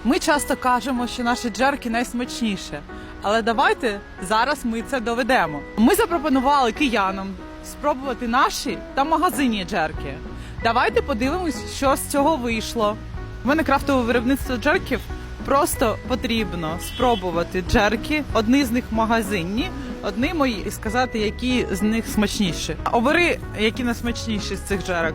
Ми часто кажемо, що наші джерки найсмачніше, але давайте зараз ми це доведемо. Ми запропонували киянам спробувати наші та магазинні джерки. Давайте подивимось, що з цього вийшло. У мене крафтове виробництво джерків. Просто потрібно спробувати джерки, одні з них магазинні, одні мої, і сказати, які з них смачніші. Обери, які найсмачніші з цих джерок.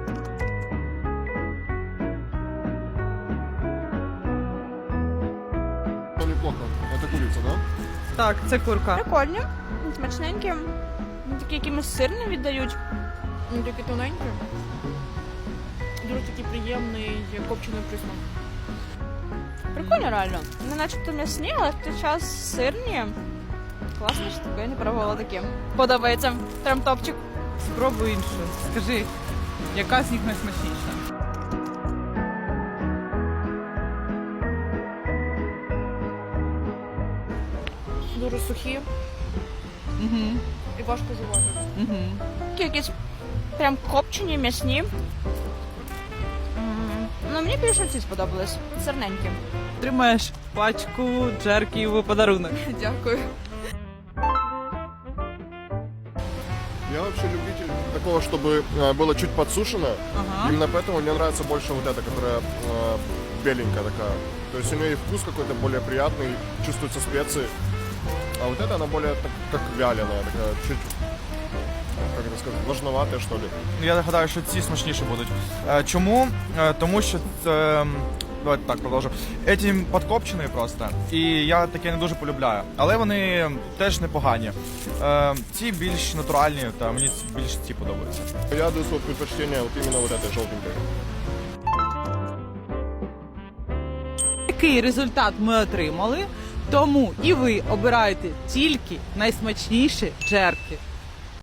Неплохо. Это курица, да? Так, це курка. Прикольні, смачненькі, такі якимось сирні віддають, такі тоненькі. Дуже такий приємний копчений присмак. Прикольно реально. Не начебто м'ясні, але в той час сирні. Класно, що таке, я не пробувала таке. Подобається. Прям топчик. Спробуй іншу. Скажи, яка з них найсмачніша? Дуже сухі Угу. і важко жувати. Угу. Такі якісь прям копчені, м'ясні. Ну, мені більше ці сподобались. Сирненькі. Тримаєш пачку джерків у подарунок. Дякую. Я вообще любитель такого, чтобы было чуть подсушено. Ага. Именно поэтому мне нравится больше вот эта, которая беленькая такая. То есть у нее и вкус какой-то более приятный, чувствуются специи. А вот эта, она более как вяленая, такая чуть, как это сказать, влажноватая, что ли. Я гадаю, що ці смачніші будуть. Чому? Тому що давайте так продовжу. Ці подкопчені просто. І я таке не дуже полюбляю. Але вони теж непогані. Ці більш натуральні, та мені більш ці подобаються. Я даю свое предпочтение вот именно вот этой желтенькой. Який результат ми отримали, тому і ви обираєте тільки найсмачніші джерки.